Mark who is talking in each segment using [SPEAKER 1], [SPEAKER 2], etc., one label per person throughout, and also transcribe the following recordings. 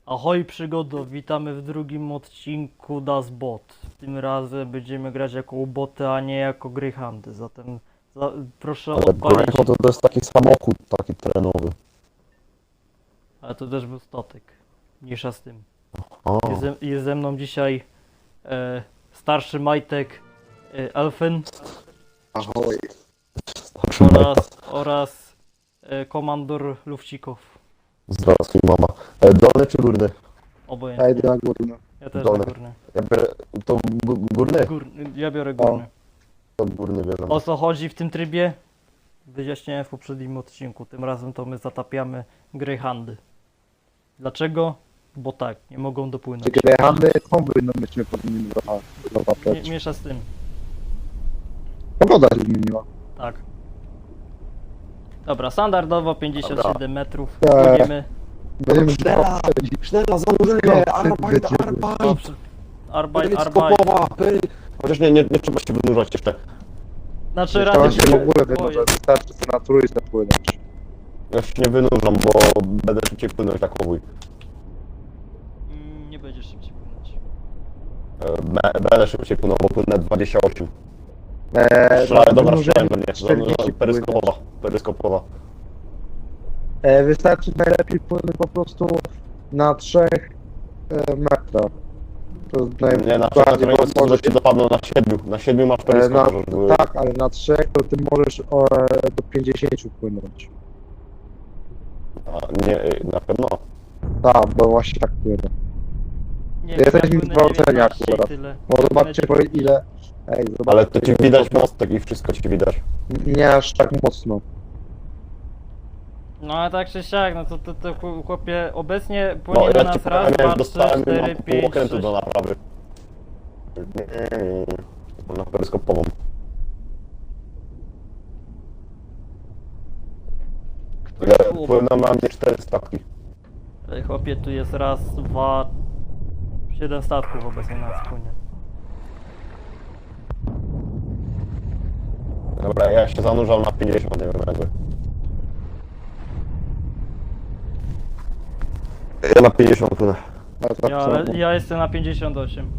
[SPEAKER 1] Ahoj przygodo, witamy w drugim odcinku Das Bot. Tym razem będziemy grać jako boty, a nie jako Greyhoundy, zatem proszę
[SPEAKER 2] Ale
[SPEAKER 1] odpalić...
[SPEAKER 2] Greyhound to jest taki samochód, taki terenowy.
[SPEAKER 1] Ale to też był statek, mniejsza z tym.
[SPEAKER 2] O,
[SPEAKER 1] Jest ze mną dzisiaj starszy Majtek Elfen
[SPEAKER 3] Ahoj.
[SPEAKER 1] oraz komandor Lufcikow.
[SPEAKER 2] Zdrowski mama. Dolny czy górny?
[SPEAKER 3] Ja
[SPEAKER 1] Obojętnie.
[SPEAKER 3] idę na górę.
[SPEAKER 1] Ja też
[SPEAKER 2] dolny.
[SPEAKER 1] na górny.
[SPEAKER 2] Ja biorę... To górny?
[SPEAKER 1] Ja biorę górny.
[SPEAKER 2] To górny bierzemy.
[SPEAKER 1] O co chodzi w tym trybie? Wyjaśniałem w poprzednim odcinku. Tym razem to my zatapiamy Greyhoundy. Dlaczego? Bo tak, nie mogą dopłynąć.
[SPEAKER 3] Czy Greyhoundy powinno myśmy powinni zobaczyć.
[SPEAKER 1] Miesza z tym.
[SPEAKER 3] Pogoda się zmieniła.
[SPEAKER 1] Tak. Dobra, standardowo 57 metrów.
[SPEAKER 3] Eee.
[SPEAKER 1] Płyniemy.
[SPEAKER 3] Będziemy
[SPEAKER 4] Sznela, zanurzenie, arbeit,
[SPEAKER 1] Dobrze. Arbeit.
[SPEAKER 4] skopowa,
[SPEAKER 2] Chociaż nie trzeba się wynurzać jeszcze.
[SPEAKER 1] Znaczy
[SPEAKER 3] Trzeba
[SPEAKER 1] rady
[SPEAKER 3] się w ogóle
[SPEAKER 1] boję.
[SPEAKER 3] wynurzać. Wystarczy sobie na trójce płynąć.
[SPEAKER 2] Ja się nie wynurzam, bo będę szybciej płynąć tak powój.
[SPEAKER 1] Nie będziesz szybciej płynąć.
[SPEAKER 2] Będę szybciej płynął, bo płynę 28.
[SPEAKER 3] Dla
[SPEAKER 2] Dobra,
[SPEAKER 3] wynurzenia
[SPEAKER 2] strzelałem do mnie.
[SPEAKER 3] 40
[SPEAKER 2] Peryskopowa. Peryskopowa.
[SPEAKER 3] Wystarczy najlepiej płynąć po prostu na 3 metrach. To jest
[SPEAKER 2] Nie, na
[SPEAKER 3] najbardziej,
[SPEAKER 2] przykład
[SPEAKER 3] bo
[SPEAKER 2] że cię zapadną na 7. Na 7 masz peryskop, możesz były.
[SPEAKER 3] tak, ale na 3 to ty możesz do 50 płynąć.
[SPEAKER 2] A, nie, na pewno.
[SPEAKER 3] Tak, bo właśnie tak płynę.
[SPEAKER 1] Nie,
[SPEAKER 3] Jesteśmy
[SPEAKER 1] ja płynę
[SPEAKER 3] zgwałceni
[SPEAKER 1] 19 i
[SPEAKER 3] akurat.
[SPEAKER 1] tyle.
[SPEAKER 3] Bo zobaczcie po ile... Ej, zobaczcie,
[SPEAKER 2] Ale to ci
[SPEAKER 3] ile-
[SPEAKER 2] widać mostek i wszystko ci widać.
[SPEAKER 3] Nie aż tak mocno.
[SPEAKER 1] No ale tak czy siak, no to chłopie, obecnie
[SPEAKER 2] No
[SPEAKER 1] płynie na
[SPEAKER 2] ja ci
[SPEAKER 1] nas raz,
[SPEAKER 2] powiem,
[SPEAKER 1] dwa,
[SPEAKER 2] jak
[SPEAKER 1] trzy,
[SPEAKER 2] dostałem
[SPEAKER 1] cztery,
[SPEAKER 2] pół
[SPEAKER 1] pięć,
[SPEAKER 2] okrętu
[SPEAKER 1] sześć.
[SPEAKER 2] do naprawy. Na peryskopową. Płyną na mnie 4 statki.
[SPEAKER 1] Ej, chłopie, tu jest raz, dwa, 7 statków obecnie na nas płynie.
[SPEAKER 2] Dobra, ja się zanurzam na 50, nie wiem jakby. Ja na 50 płynę.
[SPEAKER 3] Ale tak samo.
[SPEAKER 1] Ja jestem na 58.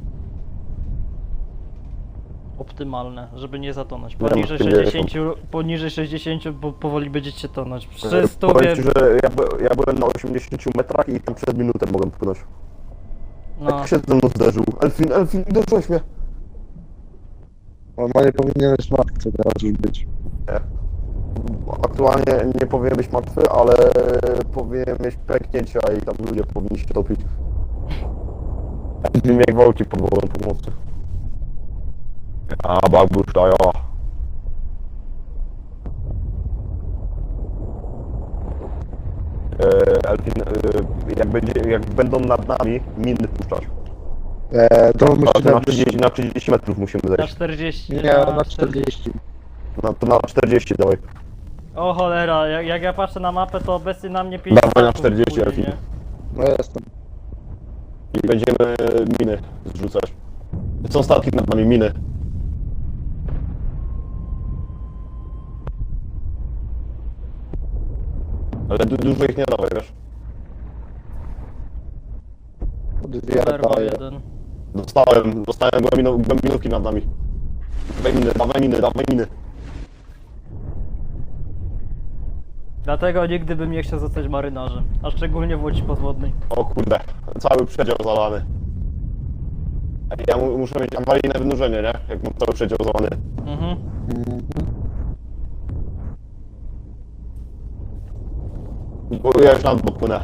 [SPEAKER 1] Optymalne, żeby nie zatonąć.
[SPEAKER 2] Ja
[SPEAKER 1] Poniżej
[SPEAKER 2] mam
[SPEAKER 1] 60, poniżej 60 bo powoli będziecie tonąć. Przy 100
[SPEAKER 2] Powiem ci, że ja byłem na 80 metrach i tam przed minutę mogłem płynąć.
[SPEAKER 1] no,
[SPEAKER 2] Jak się ze mną zderzył. Elfin, uderzyłeś mnie.
[SPEAKER 3] Normalnie powinieneś matce teraz już być.
[SPEAKER 2] Aktualnie nie powinien być martwy, ale powinien mieć pęknięcia i tam ludzie powinni się topić. Z nim jak gwałci pod wodą pomocy. A babusz dają. Elfin, jak będą nad nami, miny puszczać.
[SPEAKER 3] To
[SPEAKER 2] Ale
[SPEAKER 3] musimy
[SPEAKER 2] to na 30 metrów musimy
[SPEAKER 1] na
[SPEAKER 2] zejść.
[SPEAKER 1] 40.
[SPEAKER 3] Nie, na 40.
[SPEAKER 2] To na 40 dawaj.
[SPEAKER 1] O cholera, jak ja patrzę na mapę, to obecnie na mnie 5
[SPEAKER 2] Dawaj na
[SPEAKER 1] statków
[SPEAKER 2] 40,
[SPEAKER 1] płynie,
[SPEAKER 2] Elfin.
[SPEAKER 1] nie?
[SPEAKER 3] No jestem.
[SPEAKER 2] I będziemy miny zrzucać. Są statki nad nami, miny. Ale dużo ich nie dawaj, wiesz?
[SPEAKER 3] Dwie
[SPEAKER 1] Zerwa
[SPEAKER 3] daję.
[SPEAKER 1] jeden.
[SPEAKER 2] Dostałem głębinówki nad nami. Dawaj miny.
[SPEAKER 1] Dlatego nigdy bym nie chciał zostać marynarzem, a szczególnie w łodzi podwodnej.
[SPEAKER 2] O kurde, cały przedział zalany. Ja muszę mieć awaryjne wynurzenie, nie? Jak mam cały przedział zalany.
[SPEAKER 1] Mhm.
[SPEAKER 2] Bo ja już nad bok płynę.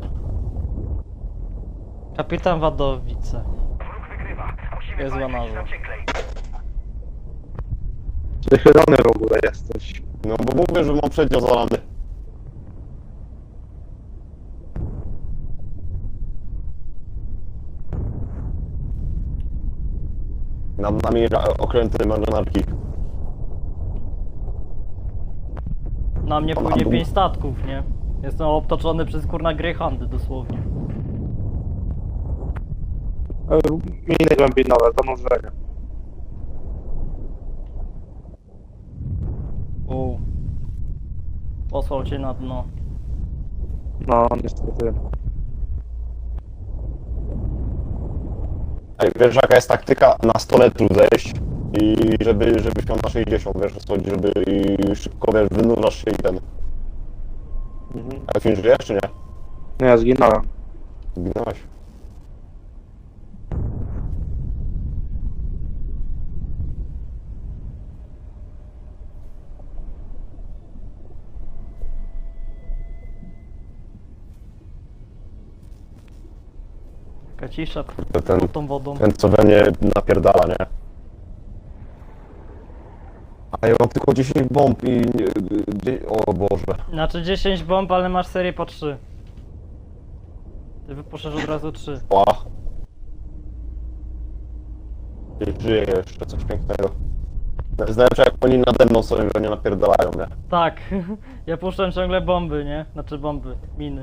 [SPEAKER 1] Kapitan Wadowice. Jest łanarzem.
[SPEAKER 3] Wychylony w ogóle jesteś.
[SPEAKER 2] No bo mówię, że mam przedział zalany. Nad nami okręty marynarki.
[SPEAKER 1] Na mnie płynie 5 statków, nie? Jestem obtoczony przez kurna Greyhoundy dosłownie.
[SPEAKER 3] Miny głębinowe, zanurzenie.
[SPEAKER 1] Posłał cię na dno.
[SPEAKER 3] No, niestety.
[SPEAKER 2] Ej, wiesz jaka jest taktyka? Na 100 metrów zejść i żebyś miał na 60, wiesz o co chodzi, żeby i szybko, wiesz, wynurzasz się i ten. A film żyjesz czy nie?
[SPEAKER 3] Nie, ja zginąłem.
[SPEAKER 2] Zginąłeś.
[SPEAKER 1] Taka cisza
[SPEAKER 2] Ten,
[SPEAKER 1] pod tą wodą.
[SPEAKER 2] ten co we mnie napierdala, nie? A ja mam tylko 10 bomb i... O Boże.
[SPEAKER 1] Znaczy 10 bomb, ale masz serię po 3. Ty wypuszczasz od razu 3.
[SPEAKER 2] Ła. I żyje jeszcze, coś pięknego. Znaczy jak oni nade mną sobie we mnie napierdalają, nie?
[SPEAKER 1] Tak, ja puszczam ciągle bomby, nie? Znaczy bomby, miny.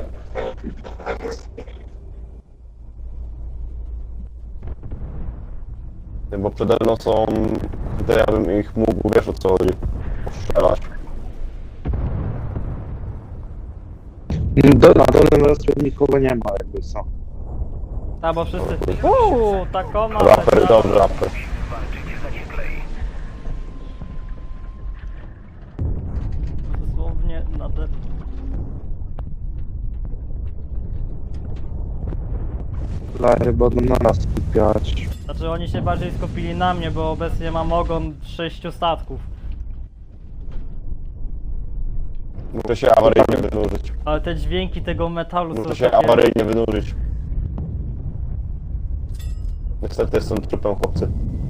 [SPEAKER 2] Bo przede mną są... To ja bym ich mógł, wiesz o co chodzi, postrzelać.
[SPEAKER 3] Na dolnym rostwie nikogo nie ma, jakby co.
[SPEAKER 1] A bo wszyscy... takoma!
[SPEAKER 2] Raper, dobry raper.
[SPEAKER 1] Dosłownie nade...
[SPEAKER 3] Laje będą na nas skupiać.
[SPEAKER 1] Znaczy oni się bardziej skupili na mnie, bo obecnie mam ogon 6 statków.
[SPEAKER 2] Muszę się awaryjnie wynurzyć.
[SPEAKER 1] Ale te dźwięki tego metalu są
[SPEAKER 2] Muszę się
[SPEAKER 1] takie...
[SPEAKER 2] awaryjnie wynurzyć. Niestety jestem trupem, chłopcy.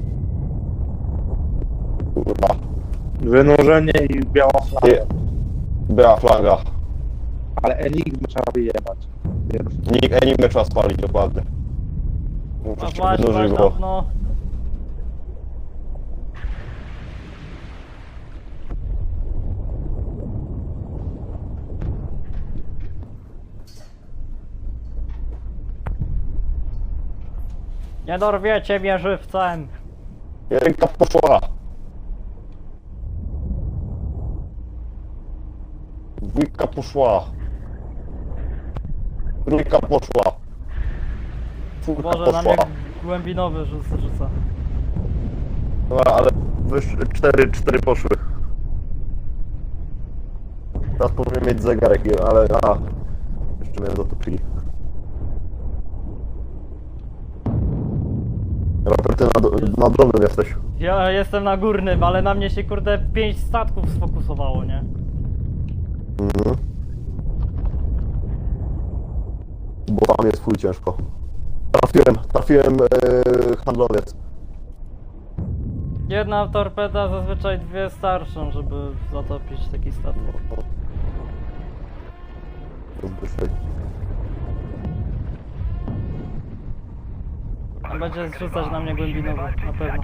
[SPEAKER 2] Kurwa.
[SPEAKER 3] Wynurzenie i biała flaga.
[SPEAKER 2] Nie. Była flaga.
[SPEAKER 3] Ale Enigmy trzeba wyjebać.
[SPEAKER 2] Enigmę trzeba spalić, dokładnie.
[SPEAKER 1] No
[SPEAKER 2] Muszę się
[SPEAKER 1] właśnie,
[SPEAKER 2] wynurzyć,
[SPEAKER 1] właśnie,
[SPEAKER 2] bo...
[SPEAKER 1] no... Nie dorwiecie mnie żywcem!
[SPEAKER 2] Ręka poszła. Dwójka poszła. Trójka poszła. Czwórka
[SPEAKER 1] Boże, na mnie
[SPEAKER 2] poszła.
[SPEAKER 1] głębinowy rzuca.
[SPEAKER 2] Dobra, ale cztery poszły. Teraz powinien mieć zegarek, ale jeszcze mnie zatopili. Robert, ty na drobnym jesteś.
[SPEAKER 1] Ja jestem na górnym, ale na mnie się kurde 5 statków sfokusowało, nie?
[SPEAKER 2] Mhm. Bo tam jest fuj ciężko. Trafiłem handlowiec.
[SPEAKER 1] Jedna torpeda, zazwyczaj 2 starszą, żeby zatopić taki statek. Będzie zrzucać na mnie głębinowy, na pewno.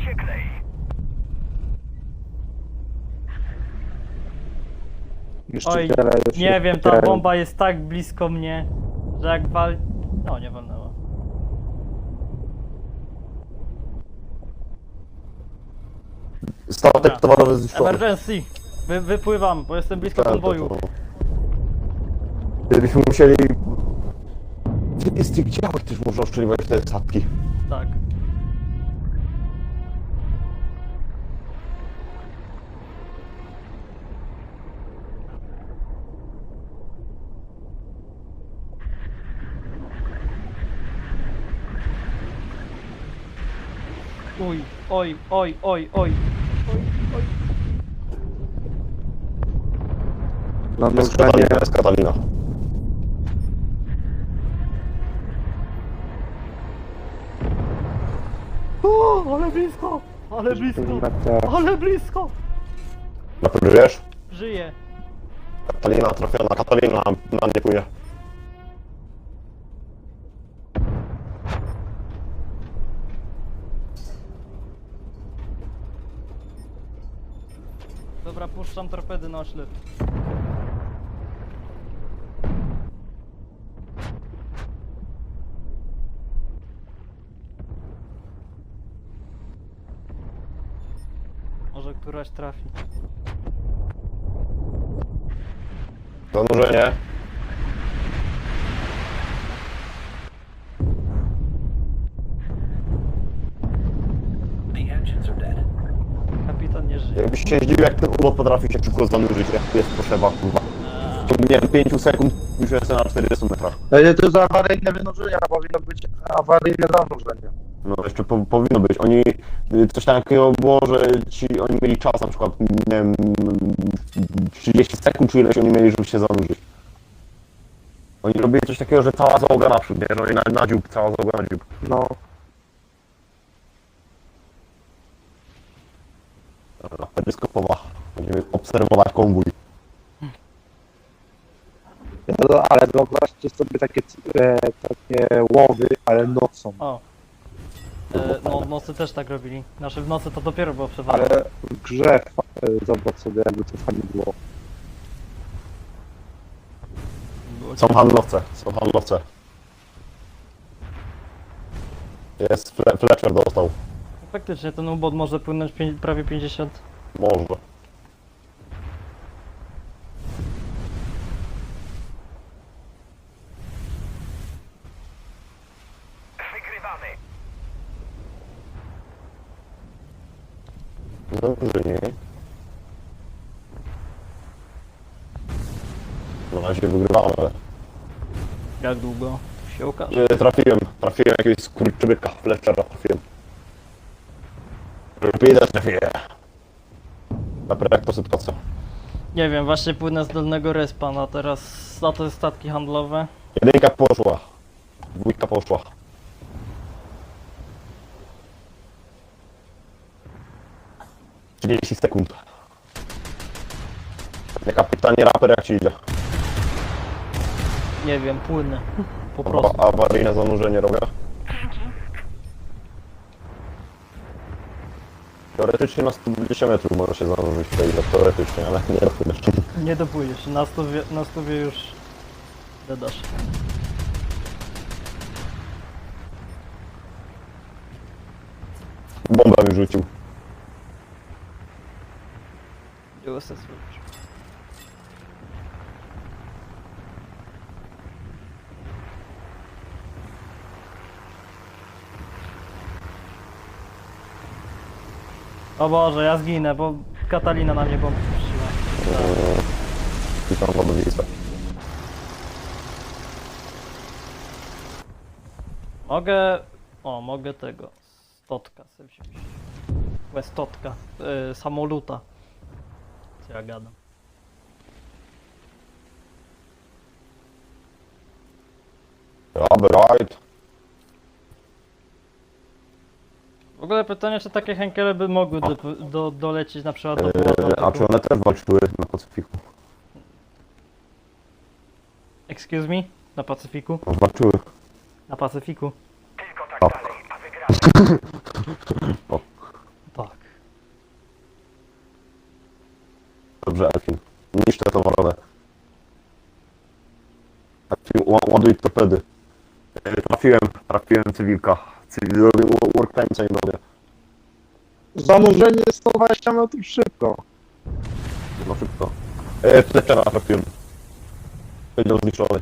[SPEAKER 1] Oj, nie wiem, ta bomba jest tak blisko mnie, że jak wal... No, nie walnęła.
[SPEAKER 2] Statek towarowy zniszczony.
[SPEAKER 1] Emergency! Wypływam, bo jestem blisko konwoju.
[SPEAKER 2] Gdybyśmy musieli... Z tych działek też można oszczeliwać te statki.
[SPEAKER 1] Tak. Uj, oj, oj, oj, oj.
[SPEAKER 3] Na
[SPEAKER 2] Jest
[SPEAKER 3] nóżenie.
[SPEAKER 2] Katalina.
[SPEAKER 1] O, ale blisko! Ale blisko! Ale blisko!
[SPEAKER 2] Na pewno wiesz?
[SPEAKER 1] Żyję.
[SPEAKER 2] Katalina trafiona, Katalina na mnie płynie.
[SPEAKER 1] Dobra, puszczam torpedy na oślep. Może któraś trafi.
[SPEAKER 2] Zanurzenie. się zdziwił, jak ten ubot potrafi się szybko zanurzyć, jak tu jest potrzeba, kurwa. W ciągu, nie wiem, 5 sekund już jestem na 40 metrach.
[SPEAKER 3] To jest awaryjne wynurzenie, a powinno być awaryjne zanurzenie.
[SPEAKER 2] No jeszcze powinno być. Oni, coś takiego było, że oni mieli czas na przykład, nie wiem, 30 sekund czy ileś oni mieli, żeby się zanurzyć. Oni robili coś takiego, że cała załoga naprzód, nie? Że oni na dziób, cała załoga na dziób.
[SPEAKER 3] No.
[SPEAKER 2] Dobra, peryskopowa. Będziemy obserwować konwój.
[SPEAKER 3] Ale wyobraźcie sobie takie łowy, ale nocą.
[SPEAKER 1] O. No w nocy też tak robili. Znaczy w nocy to dopiero było przewalone.
[SPEAKER 3] Ale w grze zobacz sobie, jakby to fajnie było.
[SPEAKER 2] Są handlowce, są handlowce. Jest, Fletcher dostał.
[SPEAKER 1] Faktycznie ten ubot może płynąć prawie 50.
[SPEAKER 2] Może. Zanurzenie. Na razie wygrywamy.
[SPEAKER 1] Jak długo? To się okaże.
[SPEAKER 2] Trafiłem jakiegoś skurczybyka, Fletchera trafiłem. Torpedę trafiłem. Dobra, jak to sytuacja?
[SPEAKER 1] Nie wiem, właśnie płynę z dolnego respa, no teraz za to jest statki handlowe.
[SPEAKER 2] Jedynka poszła. Dwójka poszła. Trzydzieści sekund. Kapitanie Raper, jak ci idzie?
[SPEAKER 1] Nie wiem, płynę. Po prostu.
[SPEAKER 2] Awaryjne zanurzenie robię. Teoretycznie na 120 metrów może się zanurzyć tutaj, teoretycznie, ale nie dopłyniesz.
[SPEAKER 1] Nie dopłyniesz, na stówie już dodasz.
[SPEAKER 2] Bomba mi rzucił.
[SPEAKER 1] USS robisz. O Boże, ja zginę, bo Katalina na mnie bombę puściła.
[SPEAKER 2] Witam wodowicę.
[SPEAKER 1] Mogę... O, mogę tego. Stotka sobie wziąć. Stotka. Samoluta. Co ja gadam.
[SPEAKER 2] Right.
[SPEAKER 1] W ogóle pytanie, czy takie Henkele by mogły dolecieć na przykład do Puerto
[SPEAKER 2] A czy one też walczyły na Pacyfiku?
[SPEAKER 1] Excuse me? Na Pacyfiku?
[SPEAKER 2] Walczyły.
[SPEAKER 1] Na Pacyfiku?
[SPEAKER 2] Tak. O,
[SPEAKER 1] Tak.
[SPEAKER 2] dobrze, Elfin. Niszczę tą waronę. Elfin, ładuj torpedy. Trafiłem cywilka. Robię workplace'a i robię.
[SPEAKER 3] Zanurzenie 120 metrów szybko.
[SPEAKER 2] No szybko. Fletchera trafiłem. Powiedział zniszczony.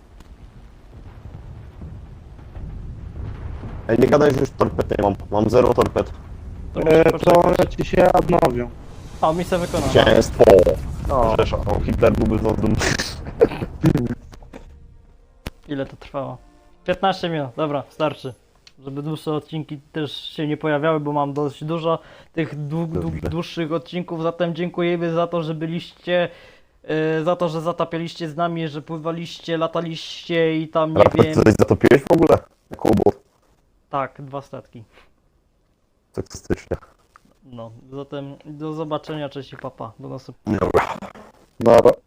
[SPEAKER 2] Ej, nie gadaj, że już torped nie mam. Mam 0 torped.
[SPEAKER 1] To muszę
[SPEAKER 3] To
[SPEAKER 1] poczekać.
[SPEAKER 3] one ci się odnowią.
[SPEAKER 1] O, misja wykonana.
[SPEAKER 2] Zwycięstwo!
[SPEAKER 3] No.
[SPEAKER 2] Rzesza, o, Hitler byłby to dumny.
[SPEAKER 1] Ile to trwało? 15 minut, dobra, starczy. Żeby dłuższe odcinki też się nie pojawiały, bo mam dość dużo tych
[SPEAKER 2] Dobrze.
[SPEAKER 1] dłuższych odcinków, zatem dziękujemy za to, że byliście, za to, że zatapialiście z nami, że pływaliście, lataliście i tam nie
[SPEAKER 2] Raport
[SPEAKER 1] wiem.
[SPEAKER 2] coś zatopiłeś w ogóle? Jako ubot.
[SPEAKER 1] Tak, 2 statki.
[SPEAKER 2] Seksystycznie.
[SPEAKER 1] No, zatem do zobaczenia, cześć i papa, do następnego.
[SPEAKER 2] Dobra.
[SPEAKER 3] Dobra.